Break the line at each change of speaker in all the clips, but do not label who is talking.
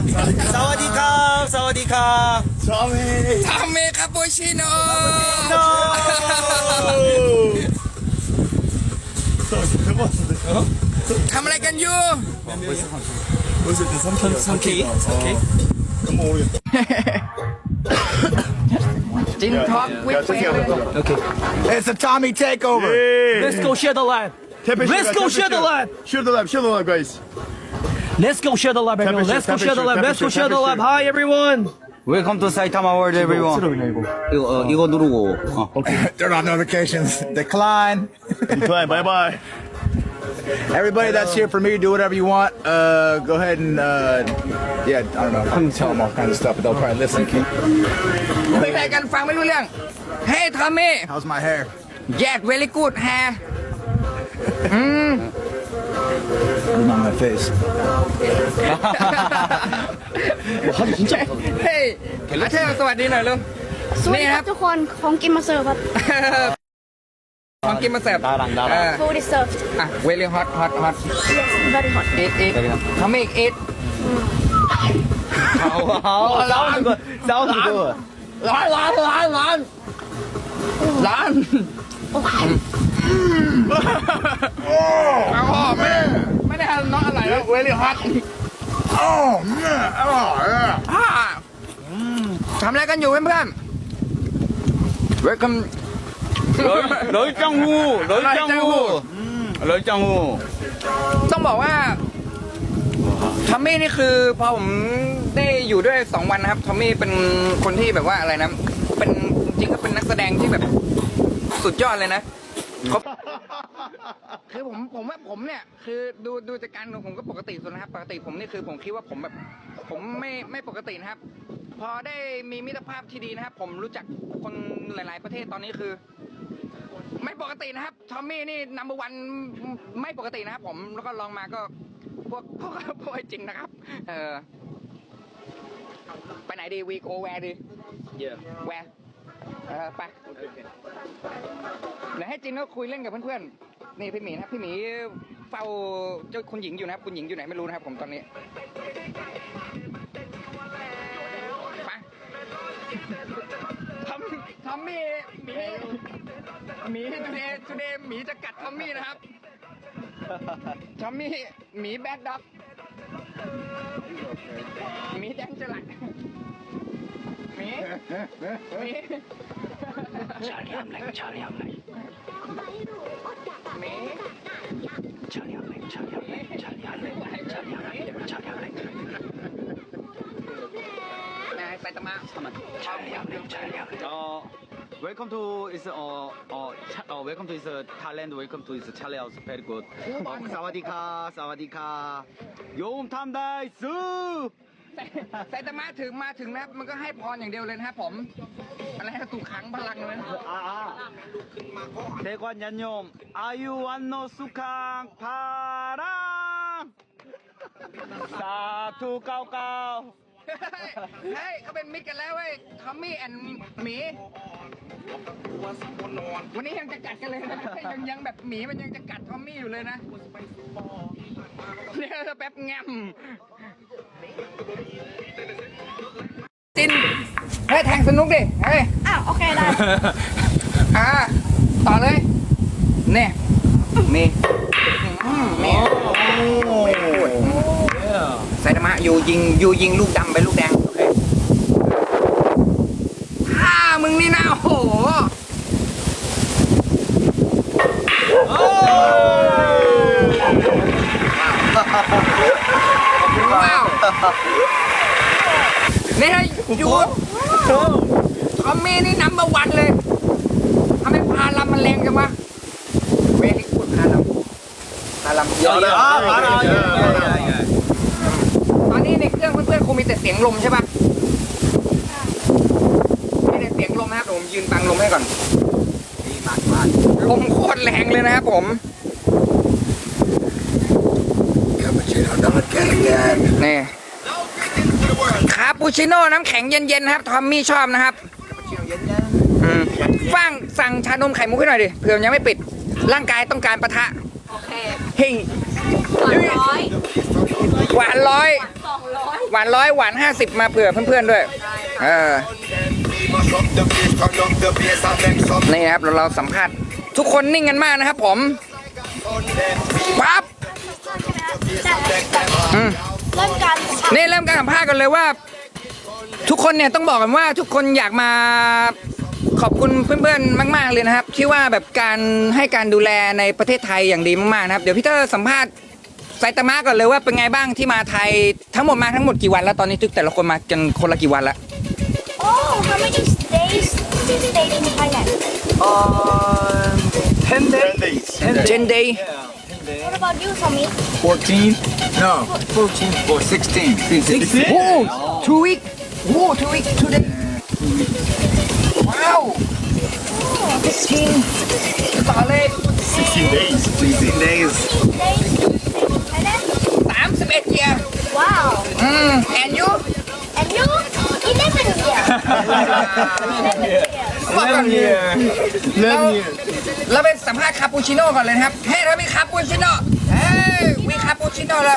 สวัสดีครับสวัสดีครับ
ทอมมี่คาปูชิโน่ทำอะไรกันอยู่จินท็อกวิดเฟล
It's a Tommy takeover.
Let's go share the live Let's go share the live
Share the live, guys.
Let's go share the live everyone Let's go share the live Let's go share the live Hi everyone
Welcome to Saitama World, everyone.
이거 누르고.
Turn on notifications. Decline.
Decline. Bye.
Everybody that's here for me, do whatever you want. Go ahead and yeah, I don't know. I'm tell them all kinds of stuff, but they'll probably listen.
คุยอะไรกันฟังไม่รู้เรื่อง Hey ทอมมี่
How's my hair?
Yes very good hair
It's on my face.
เฮ้ยอาเธอสวัสดีหน่อยลุง
สวัสดีครับทุกคนของกินมาเสิร์ฟครับ
ของกินมาเสิร์ฟ
Food is served
อ่ะ very hot
yes very hot
eat ทอมมี่ eat
싸우는 거.
ร้านไม่ได้ทำน้องอะไรแล้ว very hot ทำอะไรกันอยู่เพื่อนๆ welcome
럴짱후.
ต้องบอกว่าทอมมี่นี่คือพอผมได้อยู่ด้วย2 วันนะครับทอมมี่เป็นคนที่แบบว่าอะไรนะเป็นจริงก็เป็นนักแสดงที่แบบสุดยอดเลยนะคือผมเนี่ยคือดูจากการของผมก็ปกติสุดนะครับปกติผมนี่คือผมคิดว่าผมแบบผมไม่ปกตินะครับพอได้มีมิตรภาพที่ดีนะครับผมรู้จักคนหลาย ๆประเทศตอนนี้คือไม่ปกตินะครับทอมมี่นี่นัมเบอร์วันไม่ปกตินะครับผมแล้วก็ลองมาก็พวกจริงนะครับไปไหนดีวีโกแวร์ดีแวร์ไปเดี๋ยวให้จินก็คุยเล่นกับเพื่อนๆนี่พี่หมีนะครับพี่หมีเฝ้าเจ้าคุณหญิงอยู่นะครับคุณหญิงอยู่ไหนไม่รู้นะครับผมตอนนี้ไปทอมมี่หมีทูเดย์หมีจะกัดทอมมี่นะครับทอมมี่หมีแบดด็อกหมีแดงจะไหลหมี
처리함래.
หมีไซตามะ
Welcome to welcome to is Thailand. Welcome to is Charlie House. Very good. 사와디카. 요음 탐다이스.
ไซตามะถึงมาถึงนะครับมันก็ให้พรอย่างเดียวเลยนะครับผมอะไรให้ถูกขังพลังเลยนะ
대관 얀념 아유완노 수캉 파랑 사투 까우까우
เฮ้ยเขาเป็นมิตรกันแล้วเว้ยทอมมี่แอนหมีวันนี้ยังจะกัดกันเลยนะยังแบบหมีมันยังจะกัดทอมมี่อยู่เลยนะเนี่ยแป๊บแงมจินเฮ้ยแทงสนุกดิเฮ้ย
อ้าวโอเคได้
ต่อเลยเนี่ยนี่ไซตามะอยู่ยิงลูกดำไปลูกแดงโอเคมึงนี่นะโอ้โหว้าวนี่ให้ยูทอมมี่นี่นัมเบอร์วันเลยทำไมพาลำมันแรงจังวะเวลิกูดพาลำเยอะตอนนี้ในเครื่องเพื่อนๆคงมีแต่เสียงลมใช่ปะมีแต่เสียงลมนะครับผมยืนบังลมให้ก่อนลมโคตรแรงเลยนะครับผมนี่คาปูชิโน่น้ำแข็งเย็นๆนะครับทอมมี่ชอบนะครับฟังสั่งชานมไข่มุกให้หน่อยดิเผื่อยังไม่ปิดร่างกายต้องการปะทะโอเคเฮ้ยหวานร้อยหวานร้อยหวาน50มาเผื่อเพื่อนๆด้วยนี่นะครับเราสัมภาษณ์ทุกคนนิ่งกันมากนะครับผมปั๊บ
เริ่มการ
นี่เริ่มการสัมภาษณ์กันเลยว่า ทุกคนเนี่ยต้องบอกกันว่าทุกคนอยากมาขอบคุณเพื่อนๆมากๆเลยนะครับที่ว่าแบบการให้การดูแลในประเทศไทยอย่างดีมากๆนะครับเดี๋ยวพี่เตอร์สัมภาษณ์ไซตามะก่อนเลยว่าเป็นไงบ้างที่มาไทยทั้งหมดกี่วันแล้วตอนนี้ทุกแต่ละคนมากันคนละกี่วันละ
โอ้ how many days did you stay in Thailand
10 days.
10 day
what about you Tommy
14? No, 14 or 16.
โอ้ 2 week โอ้ 2 week 2 day ว้าว16ต่อเลย
16 days.
16 days.
days in Thailand
31 year
wow
and you
and you 11 years
11 years.
เราไปสัมภาษณ์คาปูชิโน่ก่อนเลยนะครับเฮ้ยเรามีคาปูชิโน่เฮ้ยมีคาปูชิโน่แล้ว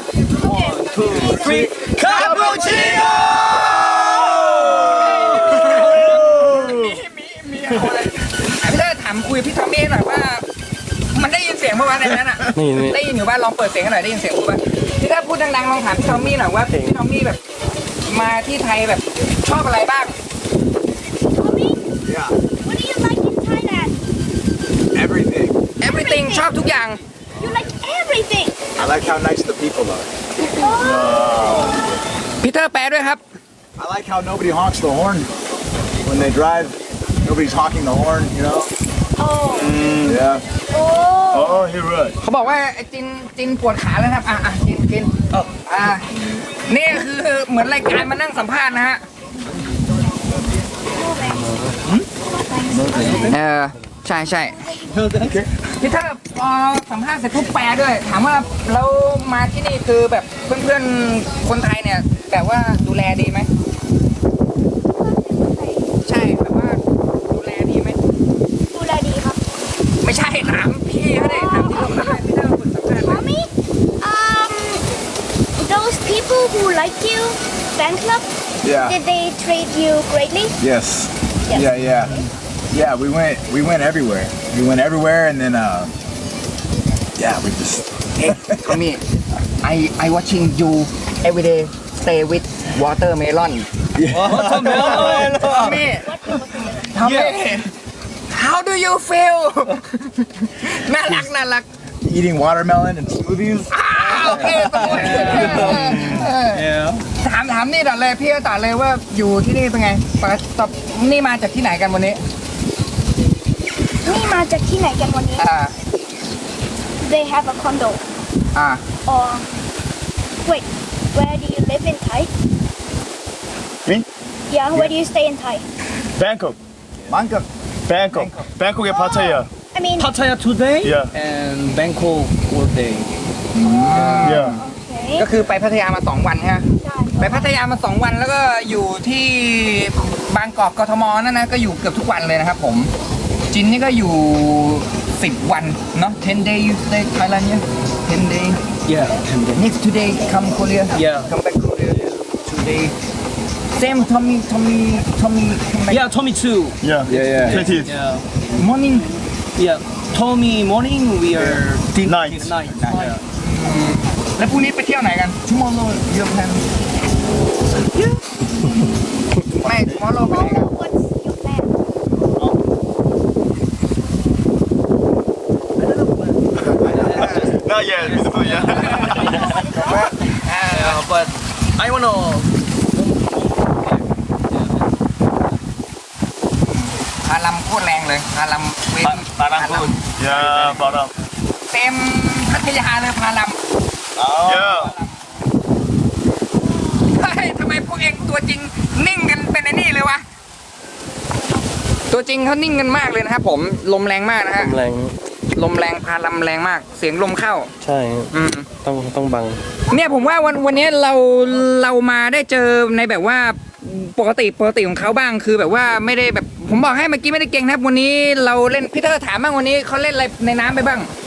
Cappuccino
พี่เตอร์ถามคุยกับพี่ทอมมี่หน่อยว่า มันได้ยินเสียงเมื่อวานในนั้นอ่ะได้ยินอยู่บ้านลองเปิดเสียงกันหน่อยได้ยินเสียงป่ะพี่ถ้าพูดดังๆลองถามพี่ทอมมี่หน่อยว่าพี่ทอมมี่แบบมาที่ไทยแบบชอบอะไรบ้าง
Tommy
Yeah.
what do you like in Thailand
Everything.
everything ชอบทุกอย่าง
you like everything
I like how nice the people are.
พีเตอร์แปลด้วยครับ
I like how nobody honks the horn when they drive. Nobody's honking the horn, you know?
oh
Yeah.
oh
Oh, he right.
เขาบอกว่าไอ้จินปวดขาแล้วครับจินนี่คือเหมือนรายการมานั่งสัมภาษณ์นะฮะใช่พี่ถ้าพอสัมภาษณ์เสร็จปุ๊บแปลด้วย ถามว่าแล้วมาที่นี่คือแบบเพื่อนๆคนไทยเนี่ยแบบว่าดูแลดีไหมใช่แบบว่าดูแลดีไหม
ดูแลดีครับ
ไม่ใช่ถามพี่เขาได้ถามที่เราได้พี่ถ้าคนสัมภาษณ์ไหม
Mommy, those people who like you, fan club,
Yeah.
did they treat you greatly?
Yes.
Yes.
Yeah. Yeah, we went everywhere. We went everywhere and then yeah, we just
Hey, Tommy, I watching you every day stay with watermelon.
Watermelon
Tommy, how do you feel? น่ารัก
eating watermelon and smoothies.
โอเคถามนี่ต่อเลยพี่ก็ต่อเลยว่าอยู่ที่นี่เป็นไงปกตินี่มาจากที่ไหนกันวันนี้
นี่มาจากที่ไหนกันวันนี้ They have a condo. Or wait, where do you live in Thai?
Me?
Yeah, where do you stay in Thai?
Bangkok.
Bangkok.
Bangkok의 파타야.
I mean,
Pattaya today
Yeah.
and Bangkok all day
Yeah.
okay.
ก็คือไปพัทยามา2 วันฮะ
ใช่
ไปพัทยามา2 วันแล้วก็อยู่ที่บางกอกกทมนั่นนะก็อยู่เกือบทุกวันเลยนะครับผมจินนี่ก็อยู่10 วันเนาะ10 day you stay Thailand yeah 10 day
yeah 10 day
next today come Korea
Yeah.
come back Korea today same Tommy come back
yeah Tommy too
Yeah. 20th.
yeah
morning
yeah Tommy morning we are
Night.
night yeah
แล้วพรุ่งนี้ไปเที่ยวไหนกัน tomorrow your plan ไม่ tomorrow ไปไหนกัน
What's your plan?
Not yet. Beautiful, yeah.
yeah but I wanna
พาลำโคตรแรงเลยพาลำเว้น
바람군. 야, 바람.
เต็มพัทยาเลยพาลำ
Yeah.
เฮ้ยทำไมพวกเองตัวจริงนิ่งกันเป็นไอ้นี่เลยวะ ตัวจริงเขานิ่งกันมากเลยนะครับผมลมแรงมากนะฮะ
แรง
ลมแรงพาลำแรงมาก เสียงลมเข้า
ใช่
อืม
ต้องบัง
เนี่ยผมว่าวันนี้เรามาได้เจอในแบบว่าปกติของเขาบ้างคือแบบว่าไม่ได้แบบผมบอกให้เมื่อกี้ไม่ได้เก่งนะครับวันนี้เราเล่นพี่เตอร์ถามบ้างวันนี้เขาเล่นอะไรในน้ำไปบ้าง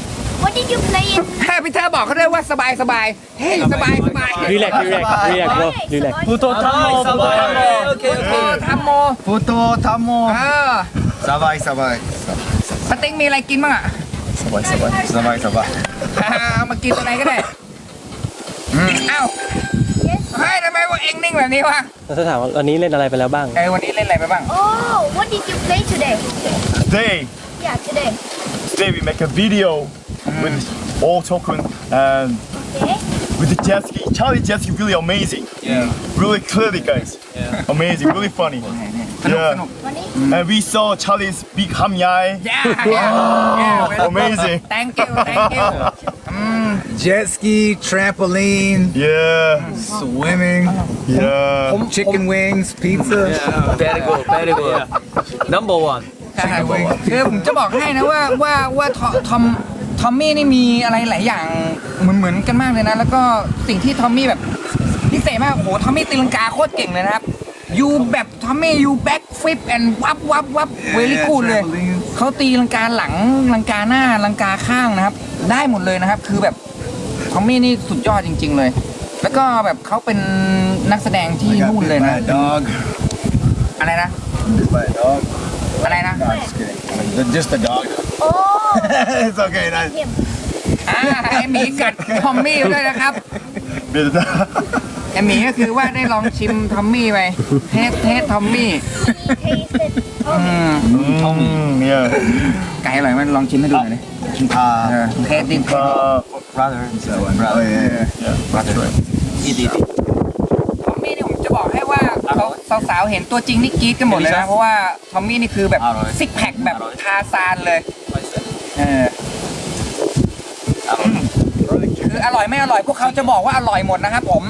What did you play in?
พี่เธอบอกเขาด้วยว่าสบายสบายเฮ้ยสบายสบาย
relax bro relax 부터 탐모 오케이
ทำโม
포토 타모
เออ
사바이 사바이
ปาติ๊กมีอะไรกินบ้างอ่ะ
사바이 사바이 사바이
เอามากินตัวไหนก็ได้เอ้าเฮ้ยทำไมว่าเอ็งนิ่งแบบนี้วะ
ถ้าถามว่าวันนี้เล่นอะไรไปแล้วบ้าง
วันนี้เล่นอะไรไปบ้าง
Oh, what did you play today?
Today,
Yeah, today.
today we make a video with all token and
Okay.
with the jet ski. Charlie jet ski really amazing.
Yeah.
Really clearly, guys. Amazing, really funny.
สนุก
Yeah.
สนุก
Money?
And we saw Charlie's big ham yai.
yeah
Amazing.
thank you
Jet ski, trampoline,
Yeah.
swimming,
Yeah.
chicken wings, pizza.
very good number one
คือผมจะบอกให้นะว่าทอมมี่นี่มีอะไรหลายอย่างเหมือนกันมากเลยนะ แล้วก็สิ่งที่ทอมมี่แบบพิเศษมากโอ้โหทอมมี่ตีลังกาโคตรเก่งเลยนะครับยูแบบทอมมี่ยูแบ็กฟลิปแอนด์วับเวลี่กูดเลยเขาตีลังกาหลังลังกาหน้าลังกาข้างนะครับ ได้หมดเลยนะครับ คือแบบทอมมี่นี่สุดยอดจริง ๆเลย แล้วก็แบบเขาเป็นนักแสดงที่นู่นเลยนะ
dog
อะไรนะ
by a dog
อะไรนะ
no, just kidding just a dog
Oh,
it's okay nice.
him.
ไอหมีกัดทอมมี่ด้วยนะครับ ไอหมีก็คือว่าได้ลองชิมทอมมี่ไปเทสทอมมี่
He tasted. Oh,
Yeah.
ไก่อร่อยไหมลองชิมให้ดูหน่อยดิเทสดิ
brother and so on brother yeah
That's right.
ทอมมี่นี่ผมจะบอกให้ว่าสาวๆเห็นตัวจริงนี่กรี๊ดกันหมดเลยนะ เพราะว่าทอมมี่นี่คือแบบซิกแพคแบบทาซานเลยคืออร่อยไม่อร่อยพวกเขาจะบอกว่าอร่อยหมดนะครับผม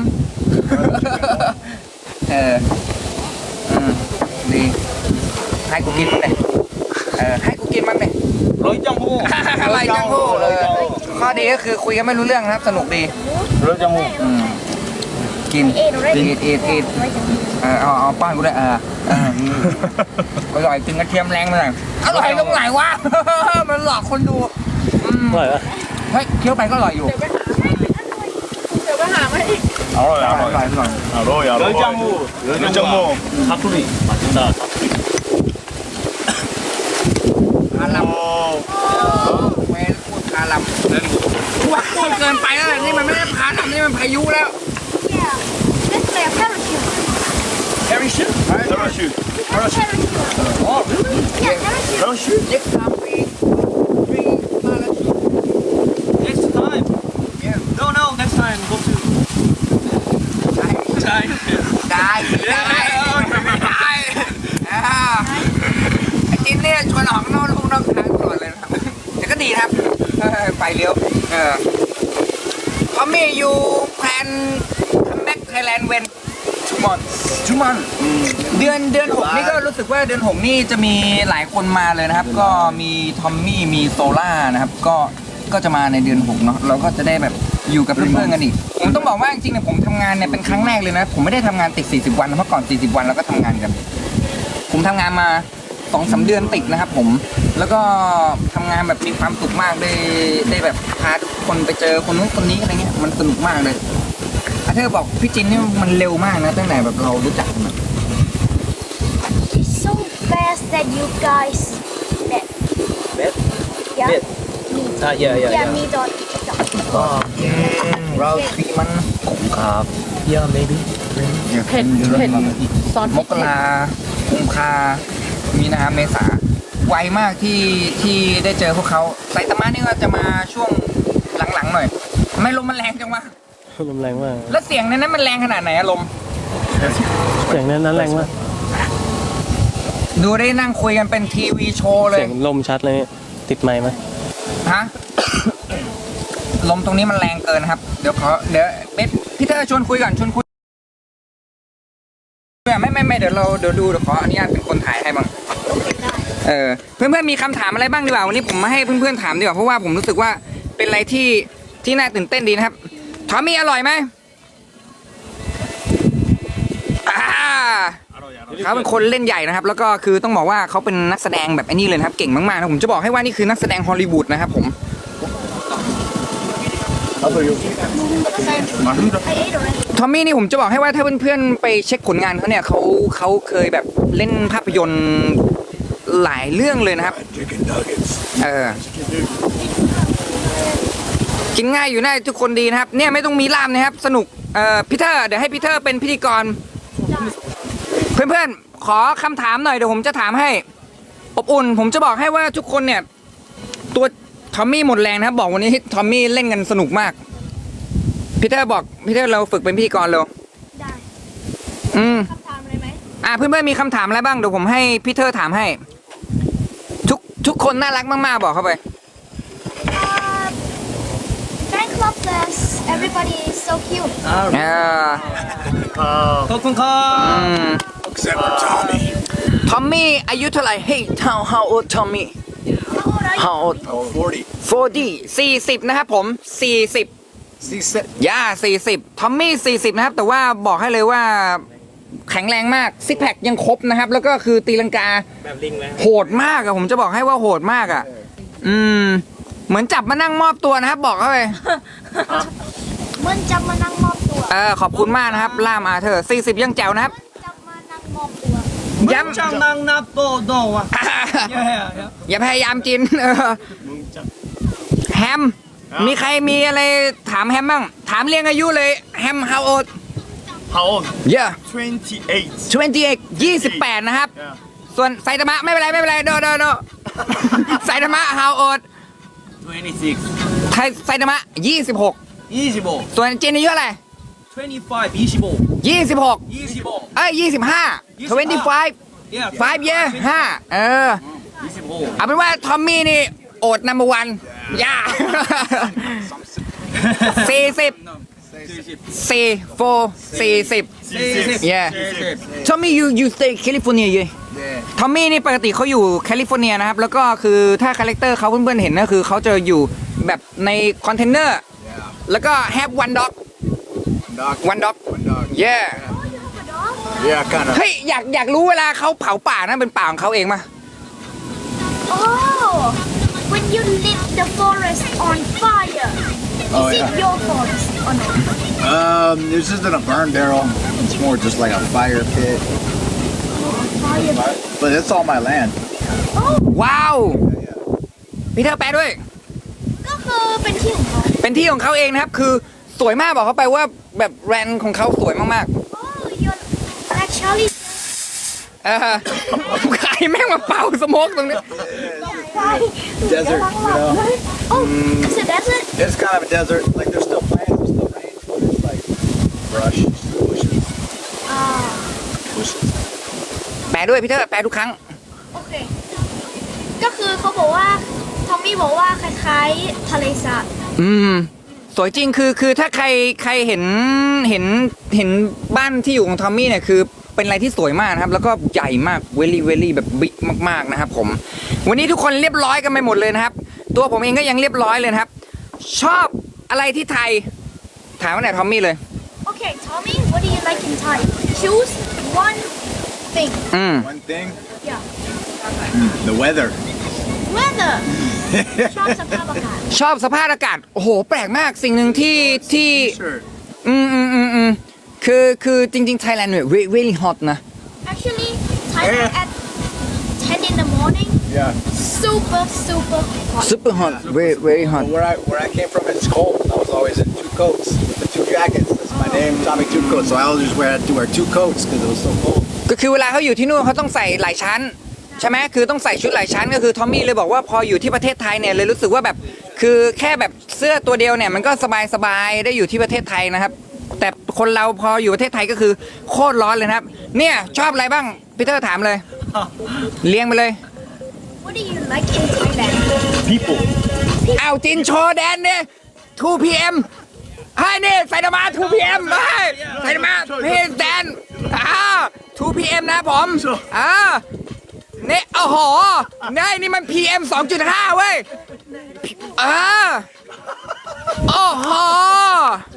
ดีให้กูกินมั้งเลยให้กูกินมั้งเลย
로이 짱호
อะไรจังหูข้อดีก็คือคุยกันไม่รู้เรื่องนะครับ สนุกดี
로이 짱호
กิน
ate already.
อีทเอาป้อนกูด้วยอร่อยถึงกระเทียมแรงไปหน่อยอร่อยตรงไหนวะ มันหลอกคนดู
อร่อยปะ
เฮ้ยเคี้ยวไปก็อร่อยอยู่
Alright,
อร่อย
alright.
อร่อย
Alright,
짱호
열정모.
사투리 맛있다
คาลัม
Oh.
เวรพูดคาลัมว่าพูดเกินไปแล้วนี่มันไม่ได้คาลัมนี่มันพายุแล้ว
Yeah. Let's play a parachute.
Parachute. Parachute.
Parachute.
Oh really?
Yeah, parachute.
Parachute.
next time we
next time no next time go to China
ได้ไอ้จินเนี่ยชวนออกนอกทางตลอดเลยนะครับแต่ก็ดีครับไปเร็วพอมีอยู่แพลนคัมแบ็กไทยแลนด์เวนชุมอนเดือน6นี่ก็รู้สึกว่าเดือน6นี่จะมีหลายคนมาเลยนะครับ ก็มีทอมมี่มีโซล่านะครับก็จะมาในเดือน6เนาะเราก็จะได้แบบอยู่กับเพื่อนๆกันอีกผมต้องบอกว่าจริงๆเนี่ยผมทำงานเนี่ยเป็นครั้งแรกเลยนะผมไม่ได้ทำงานติด40 วันนะเมื่อก่อน40 วันเราก็ทำงานกัน ผมทำงานมา 2-3 เดือนติดนะครับผมแล้วก็ทำงานแบบมีความสุขมากได้แบบพาทุกคนไปเจอคนนู้นคนนี้อะไรเงี้ยมันสนุกมากเลยอาเธอบอกพี่จินนี่มันเร็วมากนะตั้งแต่แบบเรารู้จักกัน
So fast that you guys met.
Met?
Yeah.
Met.
Yeah, me dot.
เราตีมัน
ครับ yeah maybe
มกรากุมภามีนาเมษาไวมากที่ได้เจอพวกเขาไซตามะนี่ก็จะมาช่วงหลังๆหน่อยทำไมลมมันแรงจังวะ
ลมแรงมาก
แล้วเสียงในนั้นมันแรงขนาดไหนอะลม
เสียงนั้นแรงมาก
ดูได้นั่งคุยกันเป็นทีวีโชว์เลย
เสียงลมชัดเลยติดไมค์ไหม
ฮะ ลมตรงนี้มันแรงเกินนะครับ เดี๋ยวเบสพี่เธอชวนคุยก่อนชวนคุยไม่เดี๋ยวดูขออนุญาตเป็นคนถ่ายให้บ้างเพื่อนๆมีคำถามอะไรบ้างดีกว่าวันนี้ผมมาให้เพื่อนๆถามดีกว่าเพราะว่าผมรู้สึกว่าเป็นอะไรที่น่าตื่นเต้นดีนะครับทอมมี่อร่อยไหมเขาเป็นคนเล่นใหญ่นะครับแล้วก็คือต้องบอกว่าเขาเป็นนักแสดงแบบไอ้นี่เลยนะครับเก่งมากๆนะผมจะบอกให้ว่านี่คือนักแสดงฮอลลีวูดนะครับผม
I ate already.
ทอมมี่นี่ผมจะบอกให้ว่าถ้าเพื่อนๆไปเช็คผลงานเขาเนี่ยเขาเคยแบบเล่นภาพยนตร์หลายเรื่องเลยนะครับ กินง่ายอยู่ได้ทุกคนดีนะครับเนี่ยไม่ต้องมีล่ามนะครับสนุกพีเตอร์เดี๋ยวให้พีเตอร์เป็นพิธีกร เพื่อนๆขอคำถามหน่อยเดี๋ยวผมจะถามให้อบอุ่นผมจะบอกให้ว่าทุกคนเนี่ยตัวทอมมี่หมดแรงนะครับบอกวันนี้ทอมมี่เล่นกันสนุกมากพีเตอร์บอกพีเตอร์เราฝึกเป็นพิธีกรเร็ว
ได้ คำถามอะไรไหม
เพื่อนๆมีคำถามอะไรบ้างเดี๋ยวผมให้พีเตอร์ถามให้ทุกคนน่ารักมากๆบอกเข้าไป
Fan club says everybody is so cute.
ขอบคุณครับ
Except for Tommy.
ทอมมี่อายุเท่าไหร่ Hey how old Tommy
How old are you?
How old
Oh, 40.
40นะครับผม40
40.
ย่า40ทอมมี่40นะครับแต่ว่าบอกให้เลยว่าแข็งแรงมากซิกแพคยังครบนะครับแล้วก็คือตีลังกาแบบลิงเลยโหดมากอะผมจะบอกให้ว่าโหดมากอะเหมือนจับมานั่งมอบตัวนะครับบอกเข้าไป
เหมือนจะมานั่งมอบตัว
ขอบคุณมากนะครับล่ามอาเธอร์40ยังแจ๋วนะครับ
จะมานั่งมอบตัว
ย้ำ
จังนังนับโตโตอ่ะ
อย่าพยายามจินแฮมมีใครมีอะไรถามแฮมบ้างถามเรียงอายุเลยแฮม how old
How old?
yeah
28.
28นะครับ
Yeah.
ส่วนไซตามะไม่เป็นไรโดไซตามะ how old
26
ไซตามะ26
25
ส่วนจินอายุอะไร
25
26
25
เอ้ย25 25
yeah
5 year 5
26
เอาเป็นว่าทอมมี่นี่โอดนัมเบอร์วันย่า40 yeah Tommy you stay California yeah ทอมมี่นี่ปกติเขาอยู่แคลิฟอร์เนียนะครับแล้วก็คือถ้าคาแรคเตอร์เขาเพื่อนๆเห็นก็คือเขาจะอยู่แบบในคอนเทนเนอร์แล้วก็ have one dog
One
dog yeah
Yeah, kind of.
เฮ้ยอยากรู้เวลาเขาเผาป่านะเป็นป่าของเขาเองมา
Oh, when you lit the forest on fire,
Oh,
is it
yeah.
your forest or not?
This isn't a burn barrel. It's more just like a fire pit.
Fire.
But it's all my land.
ว้าวพี่เธอแปลด้วย
ก็คือเป็นที่ของเขา
เป็นที่ของเขาเองนะครับ คือสวยมากบอกเขาไปว่าแบบแรนของเขาสวยมาก
Oh, you're actually
ๆใครแม่งมาเป่าสโมกตรงนี้
Desert, you know.
Oh, it's a desert.
It's kind of a desert. Like there's still plants, there's still rain, but it's like brush, bushes, bushes.
แปลด้วยพี่เธอแปลทุกครั้ง
โอเค ก็คือเขาบอกว่าทอมมี่บอกว่าคล้ายๆทะเลสาบ
สวยจริงคือถ้าใครเห็นบ้านที่อยู่ของทอมมี่เนี่ยคือเป็นอะไรที่สวยมากนะครับแล้วก็ใหญ่มากเวลี่แบบบิ๊กมากๆนะครับผมวันนี้ทุกคนเรียบร้อยกันไปหมดเลยนะครับตัวผมเองก็ยังเรียบร้อยเลยนะครับชอบอะไรที่ไทยถามว่าไหนทอมมี่เลย
โอเค Tommy what do you like in Thai choose one thing
One thing,
yeah
the weather.
weather ชอบสภาพอากาศ
ชอบสภาพอากาศโอ้โหแปลกมากสิ่งหนึ่งที่
T-shirt.
คือจริงๆ Thailand เนี่ย really hot นะ
actually Thailand at 10 in the morning
Yeah.
super hot
super hot very hot
Where I came from, it's cold. I was always in two coats with the two jackets. That's my name, Tommy Two Coats. So I always had to wear two coats because it was so cold.
ก็คือเวลาเขาอยู่ที่นู่นเขาต้องใส่หลายชั้นใช่ไหมคือต้องใส่ชุดหลายชั้นก็คือทอมมี่เลยบอกว่าพออยู่ที่ประเทศไทยเนี่ยเลยรู้สึกว่าแบบคือแค่แบบเสื้อตัวเดียวเนี่ยมันก็สบายได้อยู่ที่ประเทศไทยนะครับแต่คนเราพออยู่ประเทศไทยก็คือโคตรร้อนเลยนะครับเนี่ยชอบอะไรบ้างพีเตอร์ถามเลยเลี้ยงไปเลย
what do you like in Thailand
People.
อ้าวจินโชว์แดนเนี่ย 2 PM ให้นี่ไซตามะ 2 PM ให้ไซตามะพี่แดน2 PM นะผมนี่โอ้โหนี่มัน PM 2.5 เว้ยโอ้โห